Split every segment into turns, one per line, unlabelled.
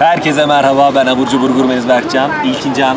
Herkese merhaba, ben Abur Cubur Gurmeniz Berkcan, İlkincan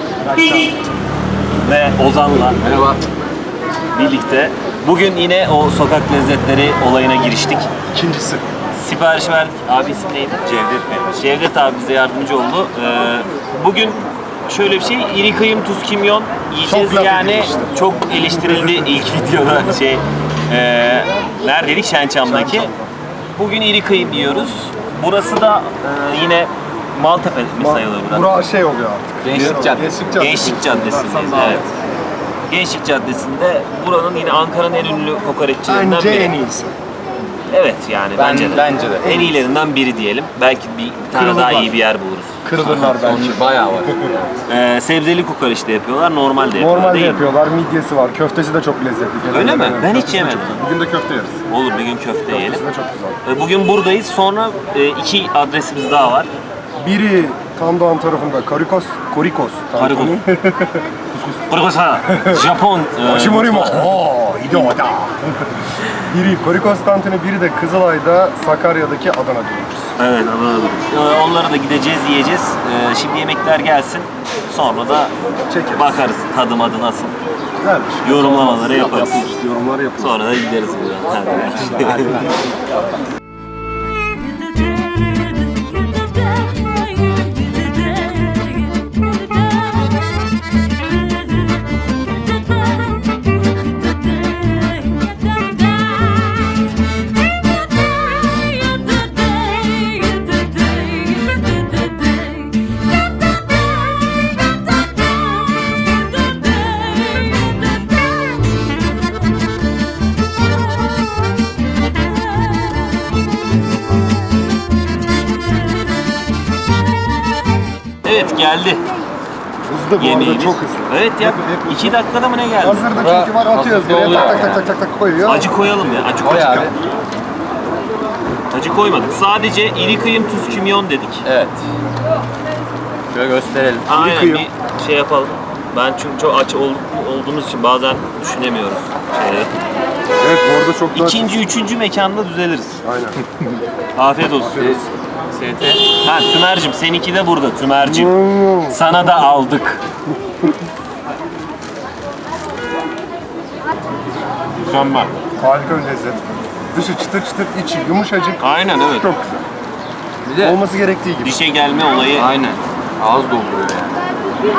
ve Ozan'la birlikte bugün yine o sokak lezzetleri olayına giriştik.
İkincisi.
Sipariş verdik. Abi isim neydi? Cevdet. Cevdet abi bize yardımcı oldu. Bugün şöyle bir şey, iri kıyım tuz kimyon yiyeceğiz
çok
yani çok eleştirildi ilk videoda neredeydik? Şençam'daki. Bugün iri kıyım yiyoruz. Burası da yine Maltepe mi sayılır burası?
Burası şey oluyor artık.
Gençlik Caddesi. Gençlik Caddesi'ndeyiz. Evet. Gençlik Caddesi'nde buranın yine Ankara'nın en ünlü kokoreççilerinden
Bence
biri.
en iyisi.
Evet yani bence de. En iyilerinden biri diyelim. Belki bir tane
Kırılırlar.
daha iyi bir yer buluruz.
Kırılırlar bence.
Bayağı var.
Sebzeli kokoreç de yapıyorlar, normal de yapıyorlar
Normalde
değil mi?
yapıyorlar, midyesi var, köftesi de çok lezzetli.
Öyle mi? Ben hiç
Köftesi de
yemedim.
çok- Bugün de köfte yeriz.
Olur bir gün köfte yiyelim.
Köftesi de çok güzel.
Bugün buradayız. Sonra iki adresimiz daha var.
Biri Tandoğan tarafında Korikos tantuni.
Burası Japon.
Oshimorimo. Oo, idoda. Biri Korikos tantuni, biri de Kızılay'da Sakarya'daki Adana dönüyoruz.
Evet, anladım. Onlara da gideceğiz, yiyeceğiz. Şimdi yemekler gelsin. Sonra da
Çekeriz.
bakarız tadı madı nasıl.
Güzelmiş.
Yorumlamaları yaparız.
Yorumlar yapıyoruz.
Sonra da gideriz buradan. Hadi. Evet geldi.
Hızlı bu arada,
Yemeğimiz.
çok hızlı.
Evet ya.
Hep
2 dakikada mı ne geldi?
Hazırda çünkü var, atıyoruz
hafif
buraya,
oluyor
tak tak tak tak tak koyuyor.
Acı koyalım ya. Acı
Koy abi.
Acı koymadık. Sadece iri kıyım tuz kimyon dedik.
Evet. Şöyle gösterelim.
Aynen
kıyım.
bir şey yapalım. Ben çünkü çok aç olduğumuz için bazen düşünemiyoruz şeyleri.
Evet, bu arada çok daha...
İkinci, üçüncü mekanda düzeliriz.
Aynen.
Afiyet olsun.
ST.
Ha Tümer'cim seninki de burada Tümer'cim. Sana da aldık. Mükemmel.
Harika bir lezzet. Dışı çıtır çıtır, içi yumuşacık.
Aynen evet.
Çok
Bir
güzel.
de
Olması gerektiği gibi.
Dişe gelme olayı.
aynen. Ağız dolduruyor yani.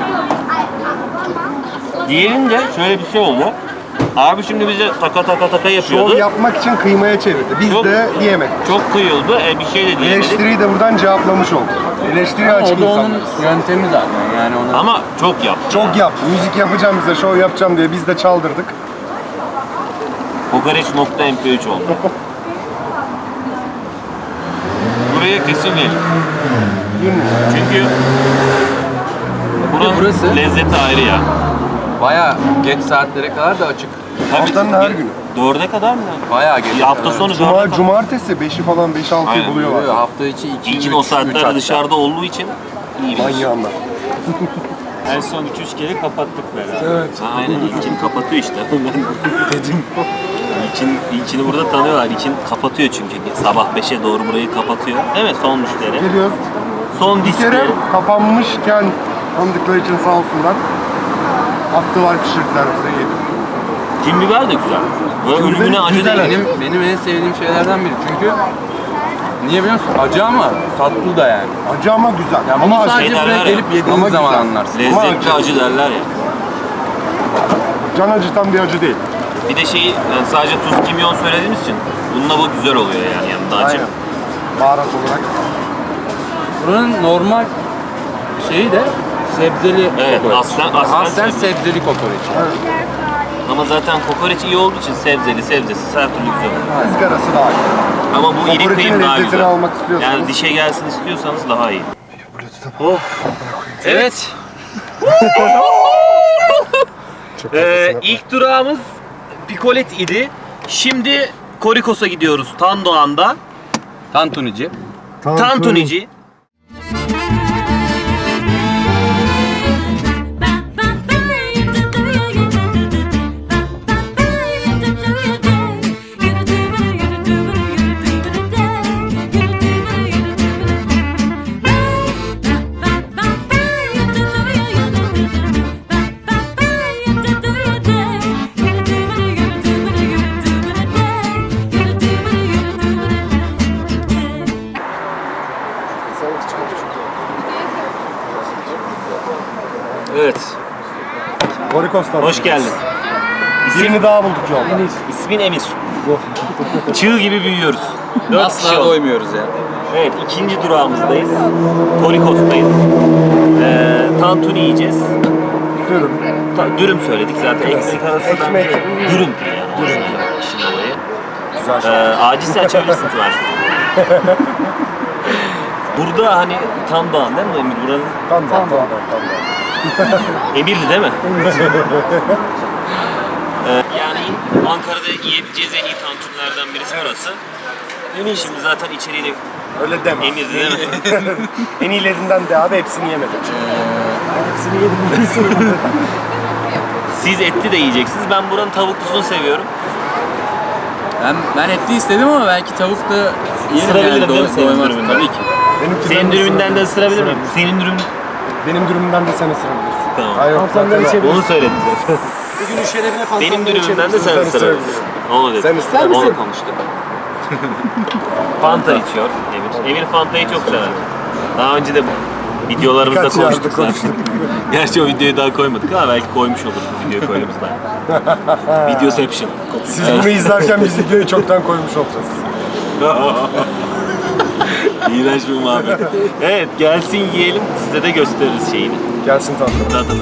Diğerinde şöyle bir şey oldu. Abi şimdi bize taka yapıyordu.
Şov yapmak için kıymaya çevirdi. Biz
Çok-
de yiyemedik.
Çok kıyıldı. Bir şey de diyemedik.
Eleştiriyi de buradan cevaplamış olduk. Eleştiri açık
O da onun
insanlarız.
yöntemi zaten yani onu.
Ama çok yaptı.
Çok yaptı. Müzik yapacağım bize, şov yapacağım diye biz de çaldırdık.
Kokoreç.mp3 oldu. Buraya kesin gelin. Çünkü buranın
burası-
lezzeti ayrı ya.
Bayağı geç saatlere kadar da açık.
Haftanın her günü.
4'e kadar mı?
Bayağı geç.
Hafta sonu 4'e kadar.
Cumartesi 5'i falan 5-6'yı
Aynen.
buluyorlar.
Hafta içi 2
İlkin o saatlerde dışarıda olduğu için iyi bir iş.
Manyağınlar.
En son 2-3 kere kapattık beraber.
Evet.
Ha, aynen İlkin kapatıyor işte. Dedim. İlkin'i burada tanıyorlar. İlkin kapatıyor çünkü. Sabah 5'e doğru burayı kapatıyor. Evet son müşteri.
Geliyoruz.
Son
Bir kere
diskleri.
kapanmışken tanıdıkları için sağ olsunlar. Attılar, pişirdiler bize, yedik.
Kim biber de güzel. Böyle
Kim
ölümüne
biberi
acı
güzel.
değil.
Benim en sevdiğim şeylerden biri çünkü niye biliyor musun? Acı ama tatlı da yani.
Acı ama güzel.
Yani
ama
bunu
acı.
sadece
Şeyler
buraya
var ya,
gelip
ama
yediğiniz zaman
güzel.
anlarsın.
Lezzetli
acı.
acı derler ya.
Can acıtan bir acı değil.
Bir de şeyi yani sadece tuz kimyon söylediğimiz için bununla bu güzel oluyor yani yanında acı.
Aynen. Baharat olarak.
Buranın normal şeyi de sebzeli
Evet,
kokoreç.
aslen
sebzeli kokoreç.
Ama zaten kokoreç iyi olduğu için sebzesiz her türlü güzel oluyor.
Izgarası daha iyi.
Ama bu iri
Kokoreçin
kıyım daha
lezzetini
güzel.
almak istiyorsanız.
Yani dişe gelsin istiyorsanız daha iyi.
Of.
Evet. İlk durağımız Pikolet idi. Şimdi Korikos'a gidiyoruz Tandoğan'da.
Tantunici.
Tantunici. Evet.
Korikos tantuni.
Hoş geldin.
Birini daha bulduk yolda.
İsmin Emir. Çığ gibi büyüyoruz. 4 kişi
Asla
olduk.
doymuyoruz ya.
Evet, ikinci durağımızdayız. Korikos'tayız. Tantuni yiyeceğiz.
Dürüm.
Dürüm söyledik zaten. Ekmek arasından
Ekmek.
dürüm yani. Dürüm işin olayı.
Güzel şey.
Acilse açabilirsin Tümer. Burada hani Tan Dağı'nın değil mi Emir? Buranın
Tamam.
Emirli değil mi? Yani Ankara'da yiyebileceğiz en iyi tantunilerden birisi burası. Şimdi zaten içeriği de
Öyle deme.
Emirli değil mi?
En iyilerinden de abi hepsini yemedim. Hepsini yedim.
Siz etli de yiyeceksiniz. Ben buranın tavuklusunu seviyorum.
Ben etli istedim ama belki tavuk da yerim
Isırabilirim
yani.
değil mi senin
Doymaz.
dürümünden?
Tabii ki.
Senin dürümünden de ısırabilir miyim? Senin dürüm...
Benim dürümümden de sen ısırabilirsin.
Tamam.
Hayır,
Onu söyledim zaten.
Bugün şerefine fazla.
Benim dürümümden de sen ısırabilirsin. Onu dedim.
Sen ister misin?
Onu konuştuk. Fanta içiyor Emir. Emir Fanta'yı çok sever. Daha önce de videolarımızda
Birkaç yerde
konuştuk zaten. Gerçi o videoyu daha koymadık ama belki koymuş oluruz videoyu koyduğumuzda. Videoception.
Siz bunu izlerken biz videoyu çoktan koymuş olacağız.
İğrenç bir muhabbet. Evet, gelsin yiyelim, size de gösteririz şeyini.
Gelsin tatlım.
Tadını.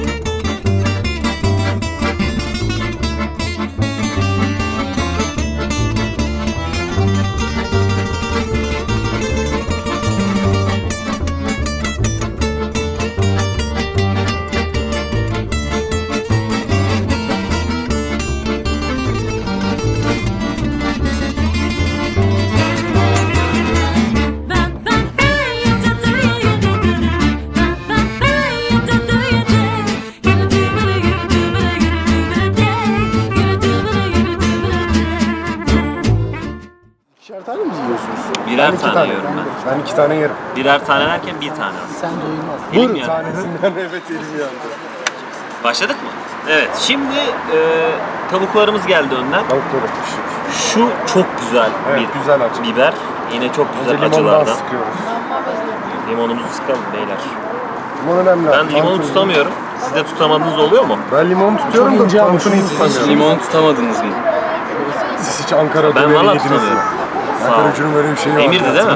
İkişer tane mi yiyorsunuz?
Birer
iki
tane yiyorum ben.
Ben 2 tane yerim.
Birer tane derken bir tane aslında.
Sen doyulmaz.
Elim yandı.
Tanesinden evet elim yandı.
Başladık mı? Evet, şimdi tavuklarımız geldi önden.
Tavukları pişir.
Şu çok güzel
Evet,
bir
güzel acı.
biber. Yine çok güzel
Önce limondan
acılardan.
sıkıyoruz.
Limonumuzu sıkalım beyler.
Limon önemli.
Ben limonu
Tantuni.
tutamıyorum. Siz de tutamadığınız oluyor mu?
Ben limonu tutuyorum da tantuniyi tutamıyorum.
Limon tutamadınız mı?
Siz hiç Ankara
Ben
döneri
valla
yediniz mi?
tutamıyorum. Sağ ol.
Ankara ucunun böyle bir şeyi var.
Emir'di değil mi?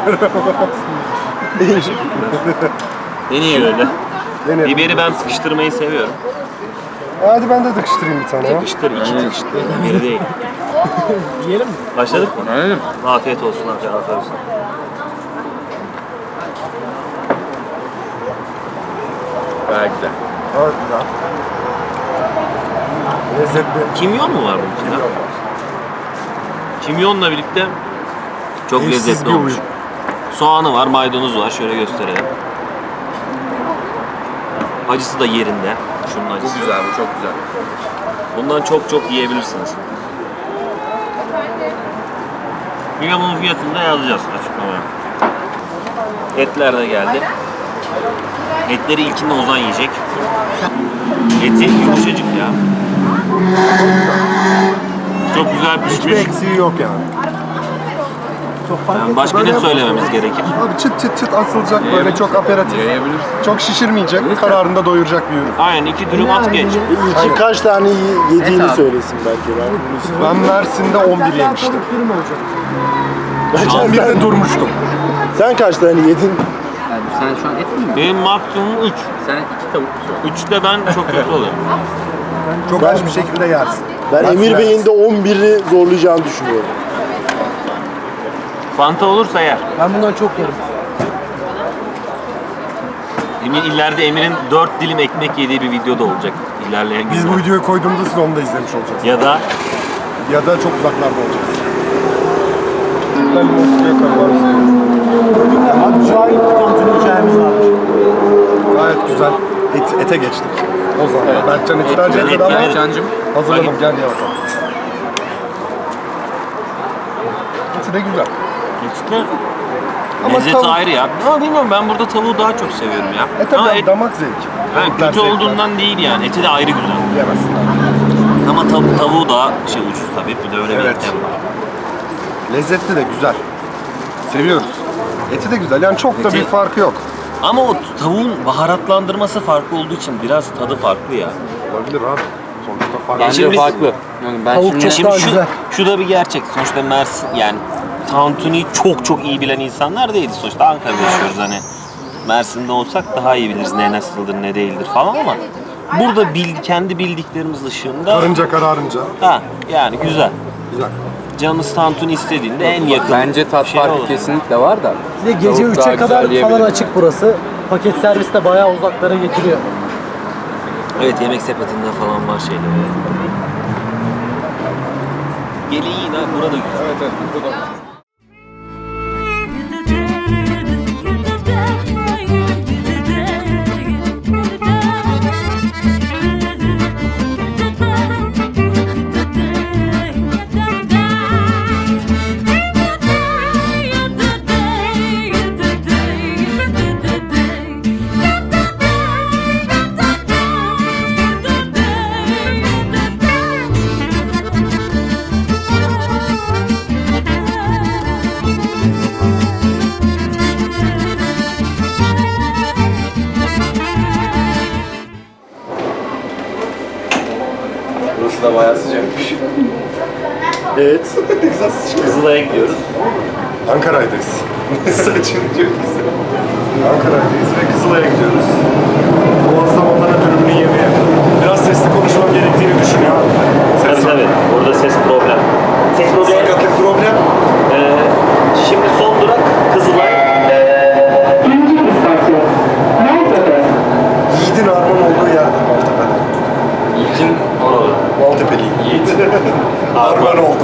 Deneyelim.
Şöyle.
Denerim.
Biberi ben sıkıştırmayı seviyorum.
Hadi ben de tıkıştırayım bir tane ya.
Sıkıştır, iki sıkıştır. Biri değil.
Yiyelim mi?
Başladık mı?
Anladın?
Afiyet olsun abi, afiyet olsun.
Gayet güzel.
Evet güzel. Lezzetli.
Kimyon mu var bunun içinde? Kimyonla birlikte çok
Eşsiz
lezzetli
bir
olmuş.
uyum.
Soğanı var, maydanoz var. Şöyle gösterelim. Acısı da yerinde. Şunun
Bu
acısı.
güzel, bu çok güzel.
Bundan çok çok yiyebilirsiniz. Yine bunun fiyatını da yazacağız açıklamaya. Etler de geldi. Etleri ilkinde Ozan yiyecek. Eti yumuşacık ya. Çok güzel
Hiçbir
pişmiş.
eksiği yok yani.
Yani başka ne söylememiz gerekir?
Abi çıt çıt çıt asılacak böyle çok aperatif.
Yiyebilirsin.
Çok şişirmeyecek, kararında doyuracak bir ürün.
Aynen, 2 dürüm at geç.
Aynen.
Kaç tane yediğini
Et abi.
söylesin belki.
Ben Mersin'de 11 yemiştim.
Dürüm olacak.
Şu an
11'de durmuştum.
Sen kaç tane yedin?
Yani sen şu an et mi yiyorsun?
benim maksimum 3.
Sen 2 tavuk yiyorsun.
3'te ben çok kötü oluyorum.
Çok aç bir şekilde yersin.
Ben
Mersin
Emir Bey'in
yersin.
de 11'i zorlayacağını düşünüyorum.
Fanta olursa yer.
Ben bundan çok yerim.
İleride Emir'in 4 dilim ekmek yediği bir video da olacak. İlerleyen
Biz bu
günlerde.
videoyu koyduğumuzda siz onu da izlemiş olacaksınız.
Ya da
Ya da çok uzaklarda olacağız. Ben limon tutuyor kararlar.
Abi Cahit tantuni hikayemiz varmış.
Gayet güzel. Ete geçtik. O zaman Berkcan eti tercih etmedi ama
yemedim.
Cancım.
hazırladım. Gel ye bakalım. Eti de güzel.
geçti.
Ama
Lezzeti
tavuk-
ayrı ya. Ama bilmiyorum, ben burada tavuğu daha çok seviyorum ya.
Tabii
Ama et
damak zevki.
yani
Etler
kötü
zevkler.
olduğundan değil yani. Eti de ayrı güzel.
Yemezsin.
Ama tavuğu da ucuz tabii. Bir de öyle bir
Evet.
etem var.
Lezzetli de güzel. Seviyoruz. Eti de güzel. Yani çok da
Eti-
bir farkı yok.
Ama o tavuğun baharatlandırması farklı olduğu için biraz tadı farklı ya.
Olabilir abi. Sonuçta farklı.
Bence
Şimdi biz-
farklı. Yani ben
Tavuk
şimdi...
çok
Şimdi
daha güzel.
şu da bir gerçek. Sonuçta Mersin yani tantuniyi çok iyi bilen insanlar değiliz. Sonuçta Ankara'da yaşıyoruz hani. Mersin'de olsak daha iyi biliriz ne nasıldır ne değildir falan ama burada kendi bildiklerimiz ışığında
Karınca kararınca.
yani güzel.
Güzel.
Canınız tantuni istediğinde en yakın
Bence tat
şey
farkı
olur.
kesinlikle var da.
Bir de gece
Tavuk daha
3'e
güzel
kadar falan
diyebilirim.
açık burası. Paket servis de bayağı uzaklara getiriyor.
Evet, yemek sepetinde falan var şeyleri. Geleğin ha burada güzel.
Evet evet. Burada da.
Burası da bayağı sıcakmış.
Evet.
Kızılay'a gidiyoruz.
Ankara'dayız. Saçını diyor bize. Ankara'dayız ve Kızılay'a gidiyoruz. Muazzam Adana dürümünü yemeye. Biraz sesli konuşmam gerektiğini düşünüyor. Ses
Tabii. Orada ses problem. Ses problemi.
Sakatlık problem.
Şimdi son durak Kızılay.
Yiğit'in armağan olduğu yerdir Maltepe'de.
İlkin
Maltepe'li Yiğit. Armağan oldu.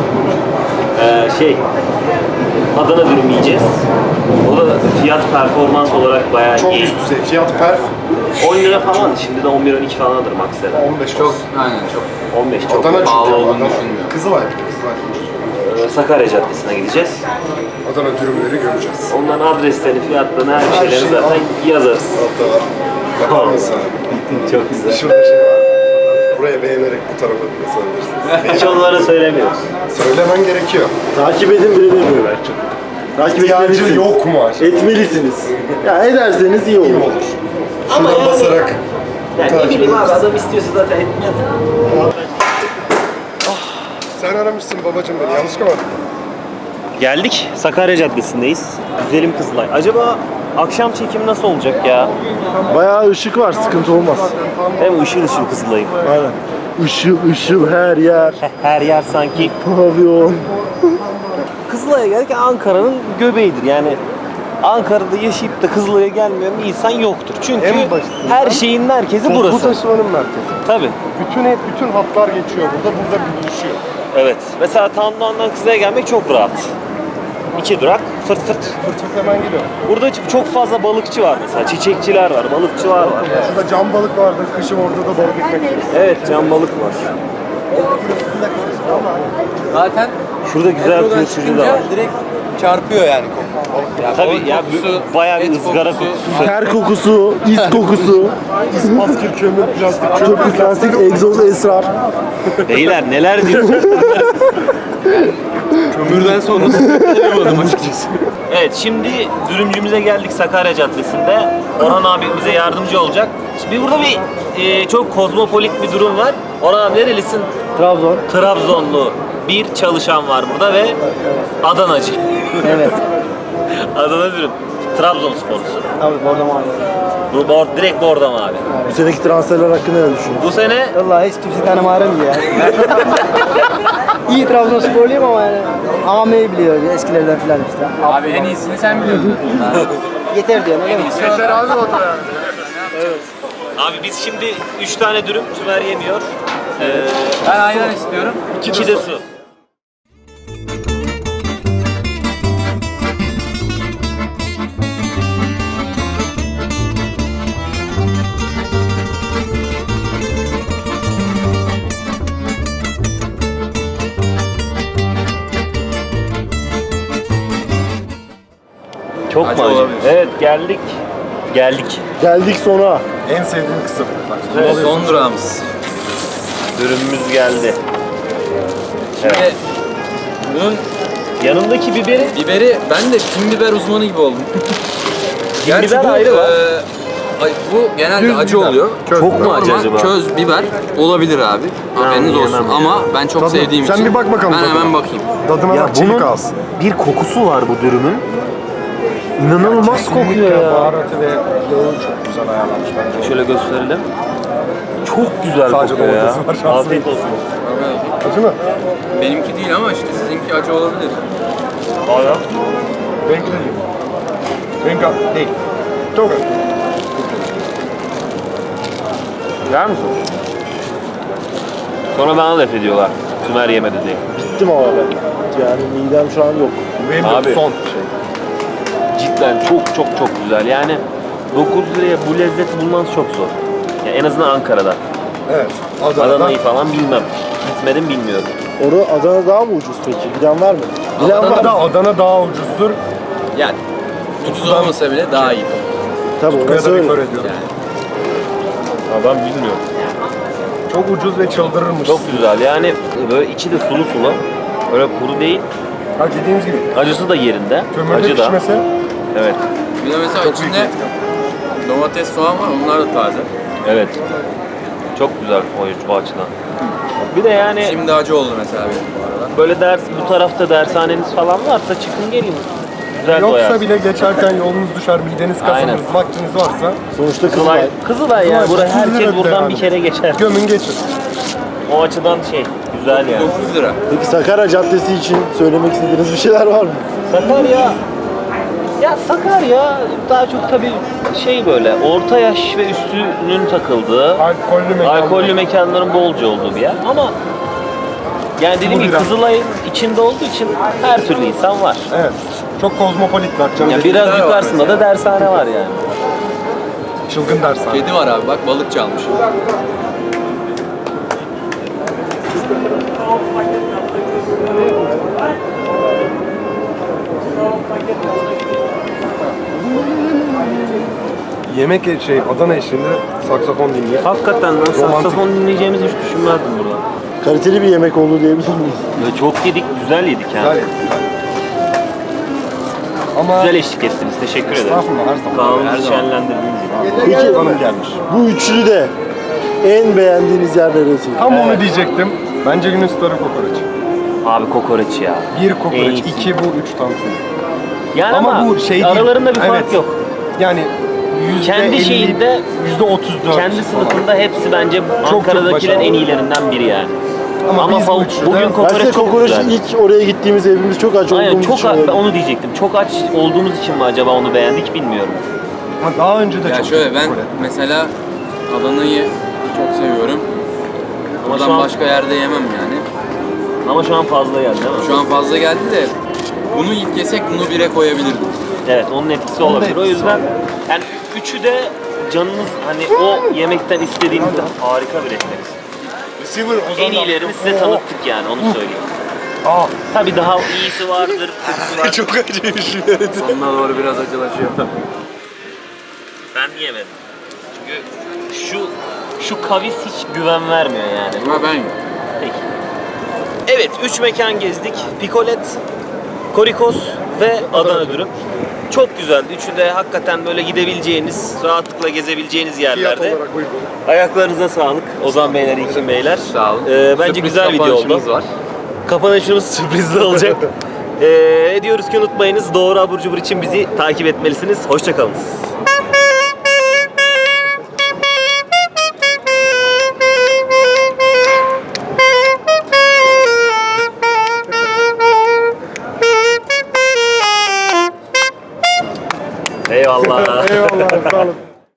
Adana dürüm yiyeceğiz. O da fiyat performans olarak bayağı
Çok
iyi.
üst düzey. Fiyat perf
10 lira falan. Şimdi de 11-12 falandır maksimum.
15
çok,
olsun.
aynen çok.
15 çok.
Adana çünkü.
pahalı olduğunu
Adana.
düşünmüyorum.
Kızılay bir de Kızılay.
Sakarya Caddesi'ne gideceğiz.
Adana dürümleri göreceğiz.
Onların adreslerini, fiyatlarını, her
Her
şeyleri
şeyi
zaten yazarız.
Hatta var. Bakar mısın?
Çok güzel.
Şurada şey var. Buraya beğenerek bu tarafa basabilirsiniz.
Hiç onlara söylemiyoruz.
Söylemen gerekiyor.
Takip edin bile demiyor belki. Takip
İhtiyacı
etmelisiniz.
yok mu acaba?
Etmelisiniz. Ya ederseniz iyi olur.
İyi olur.
Ama
Şuradan
yani-
basarak
Yani ne
takip
bileyim abi,
ederiz.
adam istiyorsa zaten etmez.
Sen aramışsın babacığım beni. Yanlış mı?
Geldik. Sakarya Caddesi'ndeyiz. Güzelim Kızılay. Acaba akşam çekimi nasıl olacak ya?
Bayağı ışık var, sıkıntı olmaz.
Hem ışıl Kızılay'ın.
Aynen. Işıl her yer.
Her yer sanki.
Pavyon.
Kızılay'a geldik, Ankara'nın göbeğidir. Yani Ankara'da yaşayıp da Kızılay'a gelmeyen bir insan yoktur. Çünkü
En başından
her şeyin merkezi
Bu
burası.
taşımanın merkezi.
Tabii.
Bütün hatlar geçiyor burada birleşiyor.
Evet. Mesela Tandoğan'dan Kızılay'a gelmek çok rahat. 2 durak, fırt fırt.
Fırçak hemen gidiyor.
Burada çok fazla balıkçı var mesela. Çiçekçiler var, balıkçılar var.
Şurada cam balık vardır. Kışın orada da balık ekmek yiyoruz.
Evet, can balık var.
Zaten
Şurada güzel
metrodan
bir turşucu da
çıkınca
var.
direkt çarpıyor yani koku. Ya
Tabii
balık
ya,
kokusu,
bayağı bir
et
ızgara kokusu.
Ter kokusu, is kokusu,
Maskül, kömür, plastik,
köpük, plastik, egzoz, esrar.
Beyler neler diyorsunuz?
Kömürden sonrası tanıyamadım açıkçası.
Evet, şimdi dürümcümüze geldik Sakarya Caddesi'nde. Orhan abi bize yardımcı olacak. Şimdi burada bir çok kozmopolit bir durum var. Orhan abi nerelisin?
Trabzon.
Trabzonlu bir çalışan var burada ve Adanacı.
Evet.
Adana dürüm. Trabzonsporlusun.
Tabii orada mavi.
Bu direkt bordo mu abi?
Bu seneki transferler hakkında ne düşünüyorsun?
Bu sene
Vallahi hiç kimse tanımarım ya. İyi Trabzonsporluyum ama yani Ame'yi biliyor eskilerden filan işte.
Abi en iyisini sen biliyorsun.
Yeter diyorsun öyle mi?
Yeter abi o da yani.
abi biz şimdi 3 tane dürüm, Tümer yemiyor.
Ben ayran istiyorum.
2 de su. Çok
Acı
mu acı?
olabilir.
Evet, geldik.
Geldik sona.
En sevdiğim kısım.
Evet.
Son durağımız.
Dürümümüz geldi.
Şimdi bunun
Yanındaki biberi
biberi, ben de kim biber uzmanı gibi oldum. Gerçi
biber
bu,
ayrı var.
bu genelde
Düz
acı
biber.
oluyor.
Köz
Çok mu
biber.
acı
Normal
acaba?
köz biber olabilir abi. Haberiniz
yiyemem
olsun.
ya.
Ama ben çok
Tadı-
sevdiğim
sen
için.
bir bak bakalım
Ben
tadına.
hemen bakayım.
Tadına
Ya
bak, çelik
bunun
ağız.
bir kokusu var bu dürümün. İnanılmaz kokuyor ya.
Baharatı ve yağı çok güzel ayarlanmış bence.
Şöyle gösterelim. Çok güzel
Sadece
kokuyor ya.
domatesi var, şanslı.
Afiyet olsun.
Acı mı?
Benimki değil ama işte sizinki acı olabilir.
Hala.
Benimki de değil. Benimki değil. Çok acı.
Yer misin? Sonra bana laf ediyorlar. Tümer yemedi diye.
Bittim ama ben. Yani midem şu an yok.
Benim de
Abi.
son şey.
Cidden çok güzel. Yani 9 liraya bu lezzeti bulmanız çok zor. Yani en azından Ankara'da.
Evet. Adana'dan
Adana'yı falan bilmem. Gitmedim bilmiyorum.
Orada Adana daha mı ucuz peki? Bilen var mı? Bilen var mı?
Adana daha ucuzdur.
Yani ucuz olmasa bile daha iyi.
Tabii
Buraya
orası
da
öyle.
refer ediyorum.
Adam bilmiyorum.
Çok ucuz ve çıldırırmış.
Çok güzel. Yani böyle içi de sulu sulu. Öyle kuru değil.
Ha, dediğimiz gibi.
Acısı da yerinde.
Kömürde
Acı da.
pişmesi
Bir
Evet.
de mesela
çok büyük
içinde
etken.
domates, soğan var. Onlar da taze.
Evet. Çok güzel o açıdan. Bir de yani
Şimdi acı oldu mesela benim bu arada.
böyle bu tarafta dershaneniz falan varsa çıkın gelin. Güzel
Yoksa
doyarsın.
bile geçerken yolunuz düşer, mideniz
Aynen.
kasınız, vaktiniz varsa
Sonuçta
Kızılay.
Kızılay.
Kızılay yani.
Kızılay,
Buraya
30
herkes
lira
buradan
yani.
bir kere geçer.
gömün geçin.
O açıdan güzel yani.
9 lira.
Peki Sakarya Caddesi için söylemek istediğiniz bir şeyler var mı?
Sakarya, ya Sakarya daha çok tabii böyle orta yaş ve üstünün takıldığı,
Alkollü mekan.
alkollü mekanların bolca olduğu bir yer ama yani dediğim gibi
bira.
Kızılay'ın içinde olduğu için her türlü insan var.
Evet. Çok kozmopolitler canım.
Ya
dediğim
biraz
var
yukarısında
mesela.
da dershane var yani.
çılgın dershane.
Kedi var abi bak balık çalmış.
Yemek Adana eşliğinde saksafon dinleyip
Hakikaten lan saksafon dinleyeceğimizi hiç düşünmezdim burada.
Kaliteli bir yemek oldu diyebilir miyiz?
Ve çok yedik, güzel yedik yani.
güzel yedik. Ama
Güzel eşlik ettiniz, teşekkür ederim.
estağfurullah her zaman.
Kanalımızı şenlendirdiğiniz için.
Peki
Hanım gelmiş.
bu üçlü de en beğendiğiniz yer neresi?
Tam onu diyecektim. Bence günün starı kokoreç.
Abi kokoreç ya.
Bir
En
kokoreç,
iyisi.
2 bu, 3 tantuni.
Yani ama,
bu şey değil.
aralarında bir fark
Evet.
yok.
Yani
Kendi şeyinde,
%34
kendi sınıfında hepsi bence
çok
Ankara'dakilerin en
başarılı.
iyilerinden biri yani.
Ama biz bu üçlüde-
bugün
Ben
kokoreç
size
çok
kokoreç
güzel.
ilk oraya gittiğimiz evimiz çok aç
Aynen
olduğumuz
çok
için
ben
öyle.
onu diyecektim. Çok aç olduğumuz için mi acaba onu beğendik bilmiyorum.
Ama daha önce de
Ya
çok
şöyle ben
kokoreç.
mesela Adana'yı çok seviyorum.
Ama
Oradan
şu an,
başka yerde yemem yani.
ama şu an fazla geldi değil mi?
Şu an fazla geldi de bunu ilk yesek bunu bire koyabilirdim.
Evet onun etkisi olabilir. O
etkisi
yüzden yani üçü de canınız hani o yemekten istediğinizde harika bir refleks. En iyilerini size tanıttık yani onu söyleyeyim.
Aa,
Tabii daha iyisi vardır, kötüsü var.
çok acıymış.
Sonuna doğru biraz acılaşıyor.
Ben yemedim. Çünkü şu kavis hiç güven vermiyor yani.
Ama ben
Peki. Evet, 3 mekan gezdik. Pikolet, Korikos ve Adana dürüm. Çok güzeldi. Üçü de hakikaten böyle gidebileceğiniz, rahatlıkla gezebileceğiniz
Fiyat
yerlerde.
olarak uygun.
Ayaklarınıza sağlık Ozan Beyler, İlkin Beyler.
sağ olun.
Bence
Sürpriz
güzel video
kapanışımız
oldu.
var.
Kapanışımız sürprizli olacak. Diyoruz ki unutmayınız doğru abur cubur için bizi takip etmelisiniz. Hoşçakalın. Eyvallah.
Eyvallah, sağ olun.